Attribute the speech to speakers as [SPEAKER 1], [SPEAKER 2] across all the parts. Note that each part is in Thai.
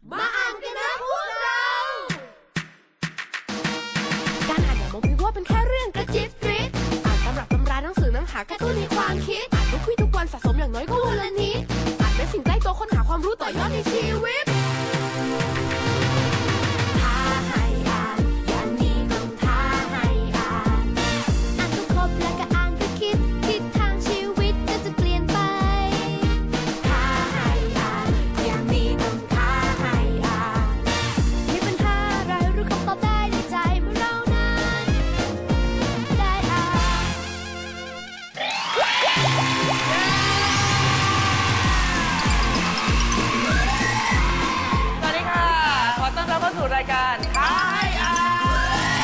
[SPEAKER 1] มาอ่านกันนะพวกเราการอ่านอย่ามองเพียงว่าเป็นแค่เรื่องกระจิบกริบอ่านตำรับตำราหนังสือน้ำหากระตุ้นในความคิดอ่านทุกวี่ทุกวันสะสมอย่างน้อยก็วันละนิดอ่านเป็นสิ่งใกล้ตัวค้นหาความรู้ต่อยอดในชีวิตท้าให้อ่านอย่างนี้ต้องท้าให้อ่านอ่านก็ครบแล้วก็อ่านก็คิดทิศทางชีวิตก็จะเปลี่ยนไปท้าให้อ่านอย่างนี้ต้องท้าให้อ่านมีปัญหาอะไรรู้คำตอบได้ในใจเมื่อเรานั้นได้อ่าน
[SPEAKER 2] สวัสดีค่ะ ขอต้อนรับเข้าสู่รายการท้าให้อ่าน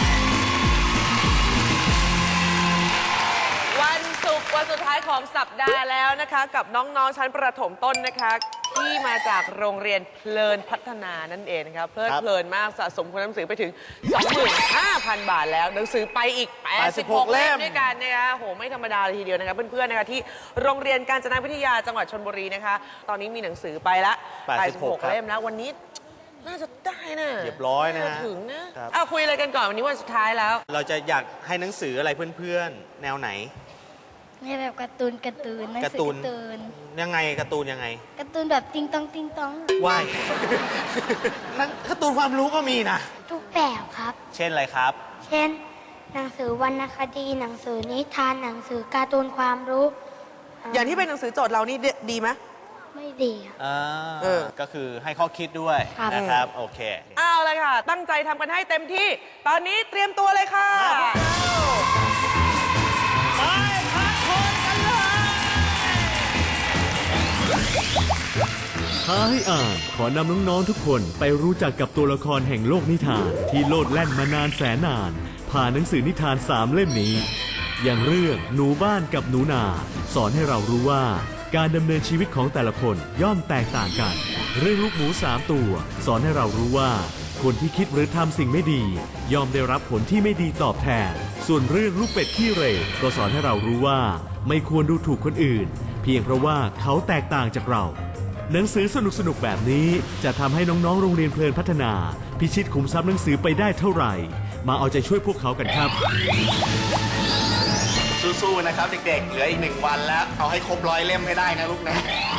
[SPEAKER 2] วันศุกร์วันสุดท้ายของสัปดาห์แล้วนะคะ กับน้องๆชั้นประถมต้นนะคะ ที่มาจากโรงเรียนเพลินพัฒนานั่นเองนะคะเพลินมากสะสมคุณหนังสือไปถึง 25,000 บาทแล้วหนังสือไปอีก 86 เล่มด้วยกันนะคะโหไม่ธรรมดาเลยทีเดียวนะคะเพื่อนๆนะคะที่โรงเรียนกาญจนาวิทยาจังหวัดชลบุรีนะคะตอนนี้มีหนังสือไปละ 86 เล่มแล้ววันนี้น่าจะได้นะ
[SPEAKER 3] เรียบร้อยนะฮะ
[SPEAKER 2] ถึงนะคุยอะไรกันก่อนวันนี้วันสุดท้ายแล้ว
[SPEAKER 3] เราจะอยากให้หนังสืออะไรเพื่อนๆ แนวไหน
[SPEAKER 4] ในแบบการ์ตูนหนังสือการ์ตูน
[SPEAKER 3] ยังไงการ์ตูนยังไง
[SPEAKER 4] การ์ตูนแบบติงตอง
[SPEAKER 3] ว่าย นั่นการ์ตูนความรู้ก็มีนะ
[SPEAKER 4] ทุกแบบครับ
[SPEAKER 3] เช่นอะไรครับ
[SPEAKER 4] เช่น หนังสือวรรณคดีหนังสือนิทานหนังสือการ์ตูนความรู้
[SPEAKER 2] อย่างที่เป็นหนังสือโจทย์เรานี่ดีไหม
[SPEAKER 4] ไม่ดีครับ
[SPEAKER 3] ก็คือให้ข้อคิดด้วย
[SPEAKER 4] ครับ
[SPEAKER 3] นะครับ โอเค
[SPEAKER 2] เอาเลยค่ะ ตั้งใจทำกันให้เต็มที่ ตอนนี้เตรียมตัวเลยค่ะ
[SPEAKER 3] ไปพักคนกันเลย
[SPEAKER 5] ท้าให้อ่านขอนำน้องๆทุกคนไปรู้จักกับตัวละครแห่งโลกนิทานที่โลดแล่นมานานแสนนานผ่านหนังสือนิทาน3 เล่มนี้ อย่างเรื่องหนูบ้านกับหนูนาสอนให้เรารู้ว่าการดำเนินชีวิตของแต่ละคนย่อมแตกต่างกัน เรื่องลูกหมู3 ตัวสอนให้เรารู้ว่าคนที่คิดหรือทำสิ่งไม่ดีย่อมได้รับผลที่ไม่ดีตอบแทนส่วนเรื่องลูกเป็ดขี้เหร่ก็สอนให้เรารู้ว่าไม่ควรดูถูกคนอื่นเพียงเพราะว่าเขาแตกต่างจากเราหนังสือสนุกๆแบบนี้จะทำให้น้องๆโรงเรียนเพลินพัฒนาพิชิตขุมทรัพย์หนังสือไปได้เท่าไหร่มาเอาใจช่วยพวกเขากันครับ
[SPEAKER 3] สู้ๆนะครับเด็กๆ เหลืออีก1 วันแล้ว เอาให้ครบ100 เล่มให้ได้นะลูกนะ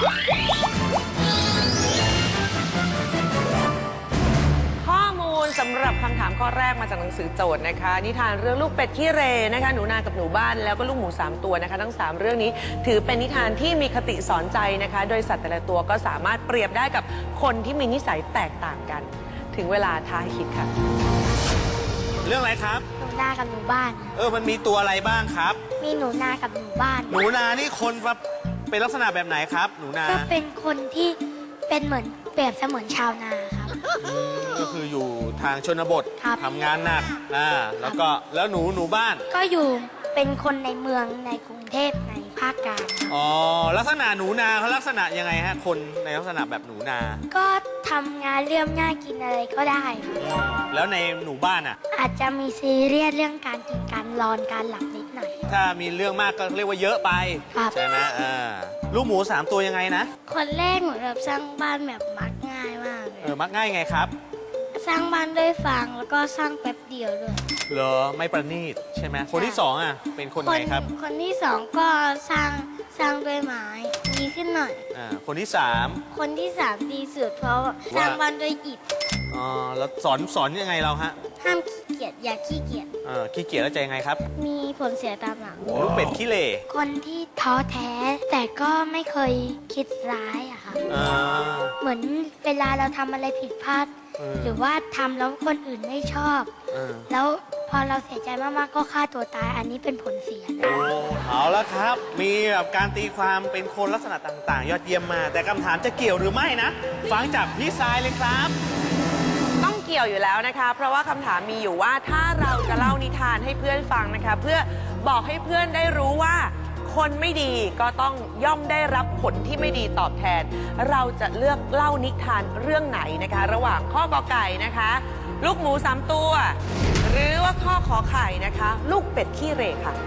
[SPEAKER 2] ข้อมูลสำหรับคำถามข้อแรกมาจากหนังสือโจทย์นะคะนิทานเรื่องลูกเป็ดขี้เหร่นะคะหนูนากับหนูบ้านแล้วก็ลูกหมู3 ตัวนะคะทั้ง3 เรื่องนี้ถือเป็นนิทานที่มีคติสอนใจนะคะโดยสัตว์แต่ละตัวก็สามารถเปรียบได้กับคนที่มีนิสัยแตกต่างกัน ถึงเวลาท้าให้คิดค่ะ
[SPEAKER 3] เรื่องอะไรครับ
[SPEAKER 4] หนูนากับหนูบ้าน
[SPEAKER 3] มันมีตัวอะไรบ้างครับ
[SPEAKER 4] มีหนูนากับหนูบ้าน
[SPEAKER 3] หนูนานี่คนเป็นลักษณะแบบไหนครับ หนูนา
[SPEAKER 4] ก็เป็นคนที่เป็นเหมือนเปรียบเสมือนชาวนาครับ
[SPEAKER 3] ก็คืออยู่ทางชนบท
[SPEAKER 4] ครับ
[SPEAKER 3] ทำงานหนักแล้วหนูบ้าน
[SPEAKER 4] ก็อยู่เป็นคนในเมืองในกรุงเทพในภาคกลางครับ
[SPEAKER 3] อ๋อลักษณะหนูนาเขาลักษณะยังไงฮะคนในลักษณะแบบหนูนา
[SPEAKER 4] ก็ทำงานเรื่องง่ายกินอะไรก็ได้ครับ
[SPEAKER 3] แล้วในหนูบ้านอ่ะ
[SPEAKER 4] อาจจะมีซีเรียสเรื่องการกินการนอนการหลับนิดหน่อย
[SPEAKER 3] ถ้ามีเรื่องมากก็เรียกว่าเยอะไป
[SPEAKER 4] ครับ
[SPEAKER 3] ใช่ไหมลูกหมู3 ตัวยังไงนะ
[SPEAKER 4] คนแรกเหมือนแบบสร้างบ้านแบบมักง่ายมากเลย
[SPEAKER 3] มักง่ายไงครับ
[SPEAKER 4] สร้างบ้านด้วยฟางแล้วก็สร้างแป๊บเดียวด้วย
[SPEAKER 3] เหรอไม่ประณีตใช่ไหมคนที่2อ่ะเป็นคนไหนครับ
[SPEAKER 4] คนที่สองก็สร้างด้วยไม้ดีขึ้นหน่อย
[SPEAKER 3] คนที่3
[SPEAKER 4] คนที่สามดีสุดเพราะสร้างบ้านด้วยอิฐ
[SPEAKER 3] แล้วสอนยังไงเราฮะ
[SPEAKER 4] ห้ามขี้เกียจอย่าขี้เกียจ
[SPEAKER 3] ขี้เกียจแล้วจะยังไงครับ
[SPEAKER 4] มีผลเสียตามหลัง
[SPEAKER 3] ลูกเป็ดขี้เหร่
[SPEAKER 4] คนที่ท้อแท้แต่ก็ไม่เคยคิดร้ายอะค่ะ เหมือนเวลาเราทำอะไรผิดพลาด หรือว่าทำแล้วคนอื่นไม่ชอบ แล้วพอเราเสียใจมากๆก็ฆ่าตัวตายอันนี้เป็นผลเสียนะ
[SPEAKER 3] เอาละครับ มีแบบการตีความเป็นคนลักษณะต่างๆ ยอดเยี่ยมมากแต่คำถามจะเกี่ยวหรือไม่นะ ฟังจากพี่ทรายเลยครับ
[SPEAKER 2] ต้องเกี่ยวอยู่แล้วนะคะ เพราะว่าคำถามมีอยู่ว่าถ้าเราจะเล่านิทานให้เพื่อนฟังนะคะ เพื่อบอกให้เพื่อนได้รู้ว่า คนไม่ดีก็ต้องย่อมได้รับผลที่ไม่ดีตอบแทน เราจะเลือกเล่านิทานเรื่องไหนนะคะ ระหว่างข้อกอไก่นะคะ ลูกหมู3 ตัว หรือว่าข้อขอไข่นะคะ ลูกเป็ดขี้เหร่ค่ะ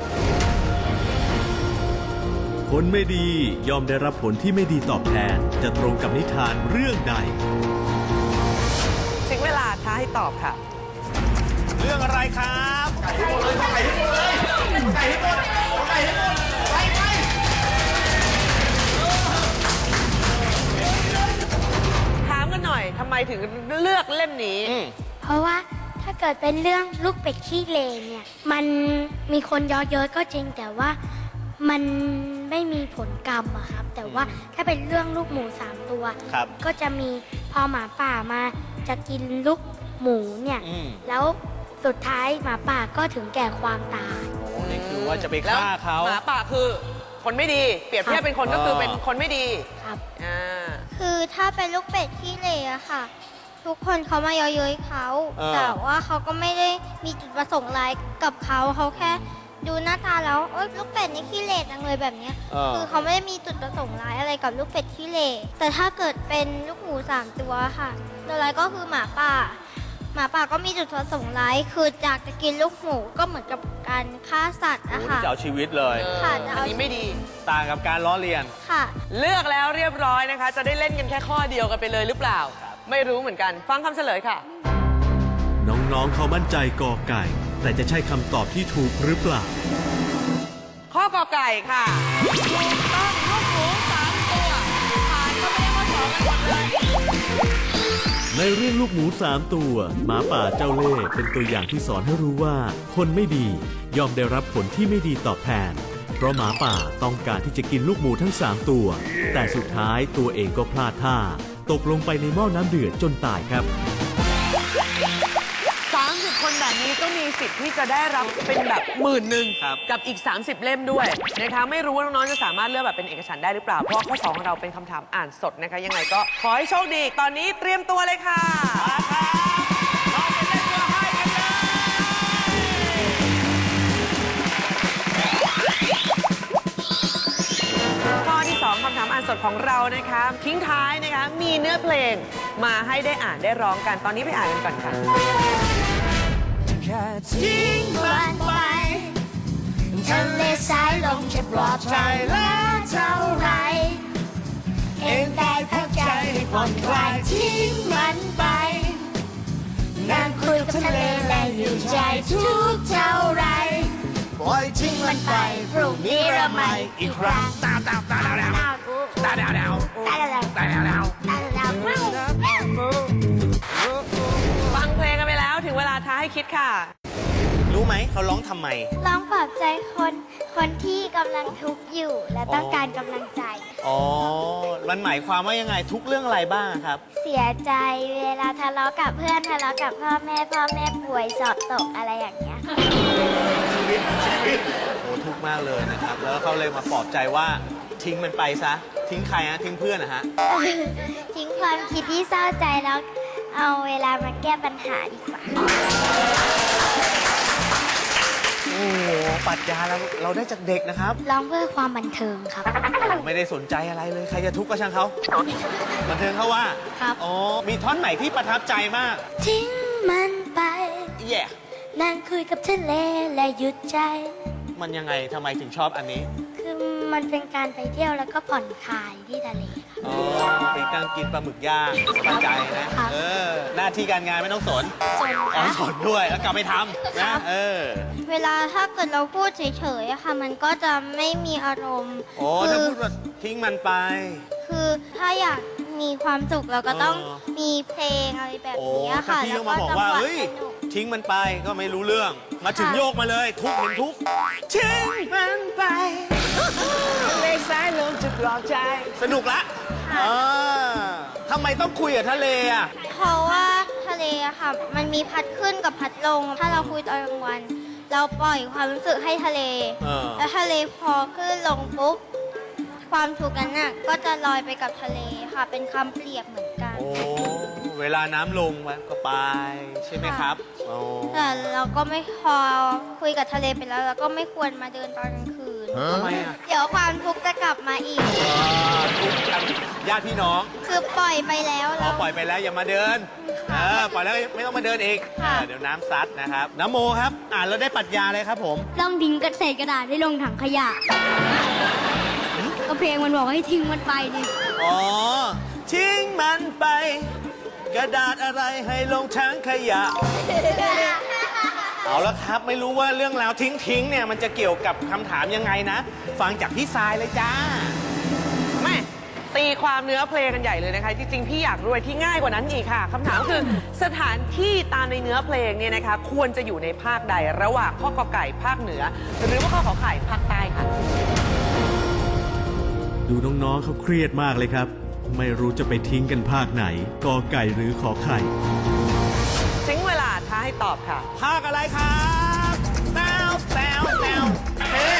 [SPEAKER 5] คนไม่ดีย่อมได้รับผลที่ไม่ดีตอบแทนจะตรงกับนิทานเรื่องใด
[SPEAKER 2] ท้าให้ตอบค่ะ
[SPEAKER 3] เรื่องอะไรครับ
[SPEAKER 2] ถามกันหน่อยทำไมถึงเลือกเล่มนี้
[SPEAKER 4] เพราะว่าถ้าเกิดเป็นเรื่องลูกเป็ดขี้เลนเนี่ย มันมีคนเยอะเยอะก็จริง แต่ว่ามันไม่มีผลกรรมอะครับ แต่ว่าถ้าเป็นเรื่องลูกหมู3 ตัว
[SPEAKER 3] ครับ
[SPEAKER 4] ก็จะมีพอหมาป่ามาจะกินลูกหมูเนี่ย แล้วสุดท้ายหมาป่าก็ถึงแก่ความตาย
[SPEAKER 3] โอ้นี่คือว่าจะไป
[SPEAKER 2] แล้ว
[SPEAKER 3] ฆ่าเขา
[SPEAKER 2] หมาป่าคือคนไม่ดี เปรียบเทียบเป็นคนก็คือเป็นคนไม่ดี
[SPEAKER 4] ครับ
[SPEAKER 2] อ่า
[SPEAKER 6] คือถ้าเป็นลูกเป็ดขี้เหร่อะค่ะ ทุกคนเขามาเย้ยๆเขา แต่ว่าเขาก็ไม่ได้มีจุดประสงค์ร้ายกับเขาแค่ดูหน้าตาแล้วเอ้ยลูกเป็ดนี่ขี้เหร่จังเลยแบบเนี้ยคือเขาไม่ได้มีจุดประสงค์ร้ายอะไรกับลูกเป็ดขี้เหร่แต่ถ้าเกิดเป็นลูกหมู3 ตัวค่ะตัวร้ายก็คือหมาป่า หมาป่าก็มีจุดประสงค์ร้ายคืออยากจะกินลูกหมูก็เหมือนกับการฆ่าสัตว์
[SPEAKER 3] โอ้
[SPEAKER 6] อะ
[SPEAKER 3] นี่
[SPEAKER 6] ค่ะ
[SPEAKER 3] จะเอาชีวิตเลย
[SPEAKER 6] ค่ะจะ
[SPEAKER 2] อัน
[SPEAKER 6] เอา
[SPEAKER 2] นี้ไม่ดี
[SPEAKER 3] ต่างกับการล้อเลียน
[SPEAKER 6] ค่ะ
[SPEAKER 2] เลือกแล้วเรียบร้อยนะคะ จะได้เล่นกันแค่ข้อเดียวกันไปเลยหรือเปล่า ไม่รู้เหมือนกัน ฟังคำเฉลยค่ะ
[SPEAKER 5] น้องๆเขามั่นใจกอไก่ แต่จะใช่คำตอบที่ถูกหรือเปล่า
[SPEAKER 2] ข้อกอไก่ค่ะถูกต้องลูกหมู3 ตัวผ่านเข้าไปในข้อ2กันหมดเลย
[SPEAKER 5] ในเรื่องลูกหมู3 ตัว หมาป่าเจ้าเล่ห์เป็นตัวอย่างที่สอนให้รู้ว่า คนไม่ดีย่อมได้รับผลที่ไม่ดีตอบแทน เพราะหมาป่าต้องการที่จะกินลูกหมูทั้ง3 ตัว แต่สุดท้ายตัวเองก็พลาดท่า ตกลงไปในหม้อน้ำเดือดจนตายครับ
[SPEAKER 2] 30 คนแบบนี้ก็มีสิทธิ์ที่จะได้รับเป็นแบบ10,000
[SPEAKER 3] ครับ
[SPEAKER 2] กับอีก 30 เล่มด้วยนะคะไม่รู้ว่าน้องๆจะสามารถเลือกแบบเป็นเอกฉันท์ได้หรือเปล่า เพราะว่าข้อ 2 ของเราเป็นคำถามอ่านสดนะคะ ยังไงก็ขอให้โชคดี ตอนนี้เตรียมตัวเลยค่ะ
[SPEAKER 3] เราไปเล่นเรือให้กันเลย
[SPEAKER 2] ข้อที่ 2คำถามอ่านสดของเรานะคะทิ้งท้ายนะคะมีเนื้อเพลงมาให้ได้อ่านได้ร้องกันตอนนี้ไปอ่านกันก่อนค่ะ
[SPEAKER 1] ทิ้งมันไปทะเลสายลมจะปลอบใจแล้วเท่าไร เองได้พักใจให้ผ่อนคลายทิ้งมันไปนั่งคุยกับทะเลและอยู่ใจทุกเท่าไร ปล่อยทิ้งมันไปพรุ่งนี้เราใหม่อีกครั้งตาดาวตาดาวตาดาวตาดาวตาดาวตาดาวตาดาว
[SPEAKER 2] ฟังเพลงกันไปแล้วถึงเวลาท้าให้คิดค่ะ
[SPEAKER 3] รู้ไหมเขาร้องทำไม
[SPEAKER 4] ร้องปลอบใจคนที่กำลังทุกข์อยู่และต้องการกำลังใจ
[SPEAKER 3] อ๋อ มันหมายความว่ายังไงทุกเรื่องอะไรบ้างครับ
[SPEAKER 4] เสียใจเวลาทะเลาะกับเพื่อนทะเลาะกับพ่อแม่ป่วยสอบตกอะไรอย่างเงี้ย
[SPEAKER 3] โอ้ทุกข์มากเลยนะครับ แล้วเขาเลยมาปลอบใจว่าทิ้งมันไปซะ ทิ้งใครฮะ ทิ้งเพื่อนนะฮะ
[SPEAKER 4] ทิ้งความคิดที่เศร้าใจแล้วเอาเวลามาแก้ปัญหาดีกว่า
[SPEAKER 3] โอ้โหปรัชญาเราได้จากเด็กนะครับ
[SPEAKER 4] ร้องเพื่อความบันเทิงครับ
[SPEAKER 3] ไม่ได้สนใจอะไรเลย ใครจะทุกข์ก็ช่างเขาบันเทิงเขาว่า
[SPEAKER 4] ครับ
[SPEAKER 3] อ๋อ มีท่อนไหนที่ประทับใจมาก
[SPEAKER 4] ทิ้งมันไป
[SPEAKER 3] แย่
[SPEAKER 4] นั่งคุยกับทะเลและหยุดใจ
[SPEAKER 3] มันยังไงทำไมถึงชอบอันนี้
[SPEAKER 4] คือมันเป็นการไปเที่ยวแล้วก็ผ่อนคลายที่ทะเลค่ะ
[SPEAKER 3] อ๋อไปนั่งกินปลาหมึกย่างสบายใจนะ
[SPEAKER 4] ครับ
[SPEAKER 3] หน้าที่การงานไม่ต้องสน
[SPEAKER 4] ส่วน
[SPEAKER 3] อ๋อสนด้วย แล้วกลับไปทำนะ
[SPEAKER 6] เวลาถ้าเกิดเราพูดเฉยๆอะค่ะ มันก็จะไม่มีอารมณ์
[SPEAKER 3] โอ้ถ้าพูดว่าทิ้งมันไป
[SPEAKER 6] คือถ้าอยากมีความสุขเราก็ต้อง
[SPEAKER 3] เออ
[SPEAKER 6] มีเพลงอะไรแบบ
[SPEAKER 3] โอ้
[SPEAKER 6] นี้
[SPEAKER 3] ถ้า
[SPEAKER 6] ค่ะ
[SPEAKER 3] พี่
[SPEAKER 6] แล้
[SPEAKER 3] ต้
[SPEAKER 6] ว
[SPEAKER 3] อง
[SPEAKER 6] ก็
[SPEAKER 3] มาบอก
[SPEAKER 6] จัง
[SPEAKER 3] ว่า
[SPEAKER 6] หวะ
[SPEAKER 3] เฮ้ย
[SPEAKER 6] สนุก
[SPEAKER 3] ทิ้งมันไปก็ไม่รู้เรื่อง มาถึง
[SPEAKER 6] ค่ะ
[SPEAKER 3] โยกมาเลย ทุกข์เห็นทุกข์ทิ้งมันไปทะเลสายลมจะปลอบใจ สนุกละทำไมต้องคุยกับทะเลอ่ะ
[SPEAKER 6] เพราะว่าทะเลอะค่ะ มันมีพัดขึ้นกับพัดลง ถ้าเราคุยตอนกลางวัน เราปล่อยความรู้สึกให้ทะเล
[SPEAKER 3] เออ
[SPEAKER 6] แล้วทะเลพอขึ้นลงปุ๊บ ความทุกข์นั้นน่ะก็จะลอยไปกับทะเลค่ะ เป็นคำเปรียบเหมือนกัน
[SPEAKER 3] โอ้ เวลาน้ำลงมันก็ไป ใช่ไหมครับโอ้
[SPEAKER 6] แต่เราก็ไม่พอคุยกับทะเลไปแล้วเราก็ไม่ควรมาเดินตอนกลางคืน
[SPEAKER 3] ทำไมอ่ะ
[SPEAKER 6] เดี๋ยวความทุกข์จะกลับมาอีก
[SPEAKER 3] ทุกข์กันญาติพี่น้อง
[SPEAKER 6] คือปล่อยไปแล้ว
[SPEAKER 3] พอ
[SPEAKER 6] เรา
[SPEAKER 3] ปล่อยไปแล้วอย่ามาเดิน ปล่อยแล้วไม่ต้องมาเดินอีก
[SPEAKER 6] ค่ะ
[SPEAKER 3] เดี๋ยวน้ำซัดนะครับ น้ำโมครับ อ่านแล้วได้ปรัชญาเลยครับผม
[SPEAKER 7] ต้องทิ้งกระเศษกระดาษให้ลงถังขยะ ก็เพลงมันบอกให้ทิ้งมันไปดิ
[SPEAKER 3] อ๋อ ทิ้งมันไปกระดาษอะไรให้ลงถังขยะ เอาละครับ ไม่รู้ว่าเรื่องราวทิ้งเนี่ยมันจะเกี่ยวกับคำถามยังไงนะ ฟังจากพี่ทรายเลยจ้า
[SPEAKER 2] แม่ตีความเนื้อเพลงกันใหญ่เลยนะคะ จริงๆ พี่อยากรู้อะไรที่ง่ายกว่านั้นอีกค่ะคำถามคือสถานที่ตามในเนื้อเพลงเนี่ยนะคะ ควรจะอยู่ในภาคใดระหว่างข้อกอไก่ภาคเหนือ หรือว่าข้อขอไข่ภาคใต้ค่ะ
[SPEAKER 5] ดูน้องๆเขาเครียดมากเลยครับ ไม่รู้จะไปทิ้งกันภาคไหน กอไก่หรือขอไข่
[SPEAKER 2] ทิ้งเวลาท้าให้ตอบค่ะ
[SPEAKER 3] ภาคอะไรครับแซวแซวแซวเฮ้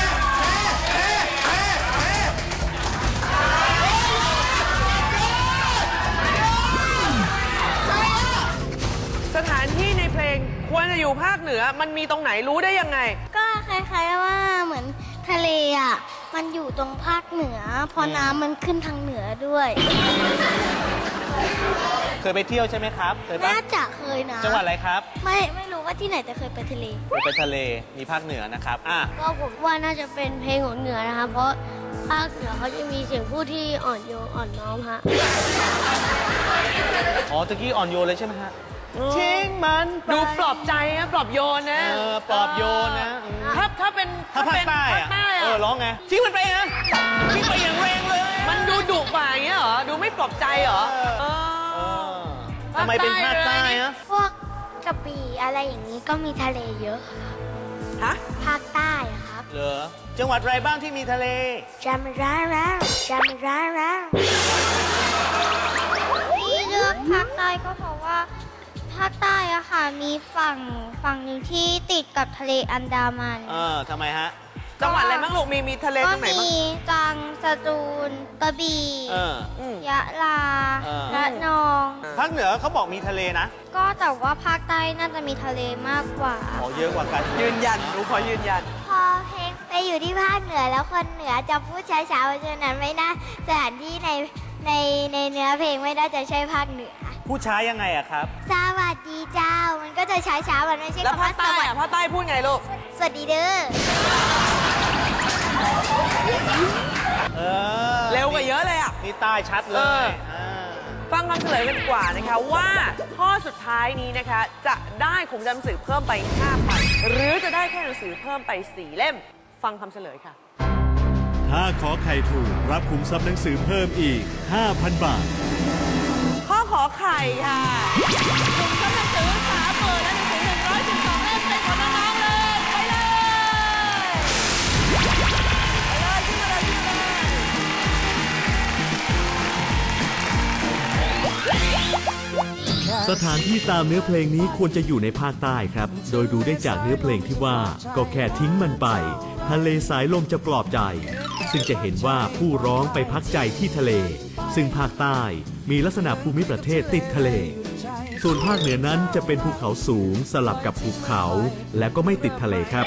[SPEAKER 2] สถานที่ในเพลงควรจะอยู่ภาคเหนือมันมีตรงไหนรู้ได้ยังไง
[SPEAKER 6] ก็คล้ายๆว่าเหมือนทะเลอ่ะ มันอยู่ตรงภาคเหนือ เพราะน้ำมันขึ้นทางเหนือด้วย
[SPEAKER 3] เคยไปเที่ยวใช่ไหมครับ เคยปะ
[SPEAKER 6] น่าจะเคยนะ
[SPEAKER 3] จังหวัดอะไรครับ
[SPEAKER 6] ไม่รู้ว่าที่ไหนแต่เคยไปทะเล
[SPEAKER 3] เคยไปทะเล มีภาคเหนือนะครับ
[SPEAKER 7] ก็ผมว่าน่าจะเป็นเพลงของเหนือนะครับ เพราะภาคเหนือเขาจะมีเสียงพูดที่อ่อนโยนอ่อนน้อมฮะ
[SPEAKER 3] อ๋อตะกี้อ่อนโยนเลยใช่ไหมฮะทิ้งมันไป
[SPEAKER 2] ดูปลอบใจนะปลอบโยนนะ
[SPEAKER 3] ปลอบโยนนะ
[SPEAKER 2] ถ้าเป็น
[SPEAKER 3] ถ้าภาคใต้
[SPEAKER 2] ภาคใต้
[SPEAKER 3] อะ ร้องไงทิ้งมันไปนะทิ้งไปอย่างแรงเลย
[SPEAKER 2] มันดูดุกว่าอย่างเงี้ยเหรอดูไม่ปลอบใจเหรอ
[SPEAKER 3] ทำไมเป็นภาคใต้อะ
[SPEAKER 4] พวกกระบี่อะไรอย่างนี้ก็มีทะเลเยอะ
[SPEAKER 2] ฮะ
[SPEAKER 4] ภาคใต้อะครับ
[SPEAKER 3] เหรอ จังหวัดอะไรบ้างที่มีทะเล
[SPEAKER 4] จำไม่ได้แล้วจำไม่ได้แล้ว
[SPEAKER 6] ที่เลือกภาคใต้ก็เพราะว่าภาคใต้อะค่ะมีฝั่งหนึ่งที่ติดกับทะเลอันดามัน
[SPEAKER 3] ทำไมฮะ
[SPEAKER 2] จังหวัดอะไรบ้างลูกมีทะเล
[SPEAKER 6] ก็
[SPEAKER 2] ตรงไหนบ้าง
[SPEAKER 6] มีตรังสตูลกระบี่ ยะลา ระนอง
[SPEAKER 3] ภาคเหนือเขาบอกมีทะเลนะ
[SPEAKER 6] ก็แต่ว่าภาคใต้น่าจะมีทะเลมากกว่า
[SPEAKER 3] อ๋อเยอะกว่ากัน
[SPEAKER 2] ยืนยันหนูขอยืนยัน
[SPEAKER 4] พอเพลงไปอยู่ที่ภาคเหนือแล้วคนเหนือจะพูดช้าๆเพราะฉะนั้นไม่น่าสถานที่ในเนื้อเพลงไม่น่าจะใช่ภาคเหนือ
[SPEAKER 3] ผู้ช้ายังไงอะครับ
[SPEAKER 4] สวัสดีเจ้า มันก็จะช้าๆมันไม่ใช่
[SPEAKER 2] แล้ว
[SPEAKER 4] คำ
[SPEAKER 2] ภา
[SPEAKER 4] ว่า
[SPEAKER 2] ค
[SPEAKER 4] ส
[SPEAKER 2] ใต้
[SPEAKER 4] วัส
[SPEAKER 2] อะ
[SPEAKER 4] ดี
[SPEAKER 2] ภาคใต้พูดไงลูก
[SPEAKER 4] สวัสดีเด้อ
[SPEAKER 2] เร็วกว่าเยอะเลยอะ
[SPEAKER 3] นี่ใต้ชัดเล
[SPEAKER 2] เอย อ ฟังคำเฉลยกันดีกว่านะคะว่าข้อสุดท้ายนี้นะคะ จะได้ขุมทรัพย์หนังสือเพิ่มไป 5,000 หรือจะได้แค่หนังสือเพิ่มไป 4 เล่ม ฟังคำเฉลยค่ะ
[SPEAKER 5] ถ้าขอไข่ถูกรับขุมทรัพย์หนังสือเพิ่มอีก 5,000 บาท
[SPEAKER 2] ข้อขอไข่ค่ะขุมทรัพย์หนังสือ30,000และหนังสือ112 เล่มเป็นของน้องๆเลยไปเลยขึ้นมาเลยขึ้นมาเลย
[SPEAKER 5] สถานที่ตามเนื้อเพลงนี้ควรจะอยู่ในภาคใต้ครับ โดยดูได้จากเนื้อเพลงที่ว่า ก็แค่ทิ้งมันไป ทะเลสายลมจะปลอบใจ ซึ่งจะเห็นว่าผู้ร้องไปพักใจที่ทะเล ซึ่งภาคใต้มีลักษณะภูมิประเทศติดทะเล ส่วนภาคเหนือนั้นจะเป็นภูเขาสูงสลับกับภูเขา และก็ไม่ติดทะเลครับ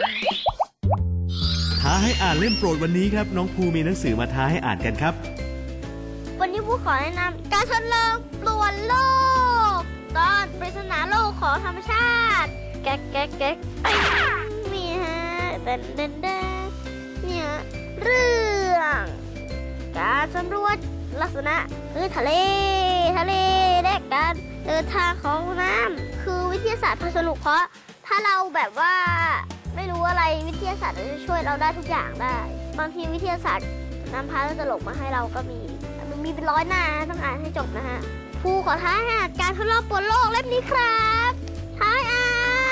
[SPEAKER 5] ท้าให้อ่านเล่มโปรดวันนี้ครับ น้องภูมีหนังสือมาท้าให้อ่านกันครับ
[SPEAKER 6] วันนี้ผู้ขอแนะนำการทดลองปลวนโลก ตอนปริศนาโลกของธรรมชาติ แก๊กแก๊กแก๊กมีฮะเดินเดินเดินเนี่ยเรื่องการสำรวจลักษณะพื้นทะเลและการเดินทางของน้ำคือวิทยาศาสตร์พาสนุกเพราะถ้าเราแบบว่าไม่รู้อะไรวิทยาศาสตร์จะช่วยเราได้ทุกอย่างได้บางทีวิทยาศาสตร์นำพาเรื่องตลกมาให้เราก็มีเป็น100 หน้าต้องอ่านให้จบนะฮะผู้ขอท้าให้อ่านการทดลองปลดโลกเล่มนี้ครับท้าให้อ่าน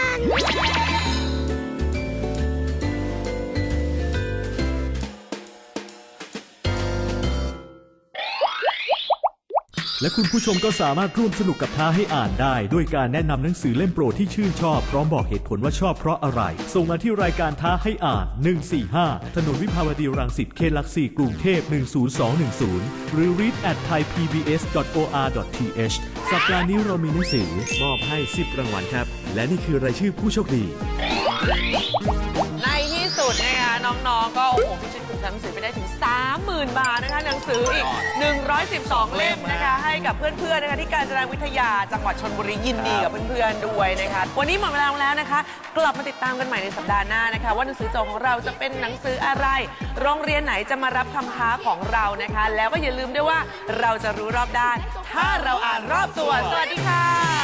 [SPEAKER 5] และคุณผู้ชมก็สามารถร่วมสนุกกับท้าให้อ่านได้ ด้วยการแนะนำหนังสือเล่มโปรดที่ชื่นชอบพร้อมบอกเหตุผลว่าชอบเพราะอะไร ส่งมาที่รายการท้าให้อ่าน 145 ถนนวิภาวดีรังสิตเขตหลัก 4 กรุงเทพ 10210 หรือ read@thaipbs.or.th สัปดาห์นี้เรามีหนังสือมอบให้ 10 รางวัลครับ และนี่คือรายชื่อผู้โชคดี
[SPEAKER 2] ในที่สุดนะคะน้องๆ ก็โอ้โหพิชิตขุมทรัพย์หนังสือไปได้ถึง 30,000 30,000 บาทนะคะหนังสืออีก 112 เล่มนะคะให้กับเพื่อนๆนะคะที่การจนาวิทยาจังหวัดชลบุรียินดีกับเพื่อนๆด้วยนะคะวันนี้หมดเวลาแล้วนะคะกลับมาติดตามกันใหม่ในสัปดาห์หน้านะคะว่าหนังสือโจทย์ของเราจะเป็นหนังสืออะไรโรงเรียนไหนจะมารับคำท้าของเรานะคะแล้วก็อย่าลืมด้วยว่าเราจะรู้รอบด้านถ้าเราอ่านรอบตัวสวัสดีค่ะ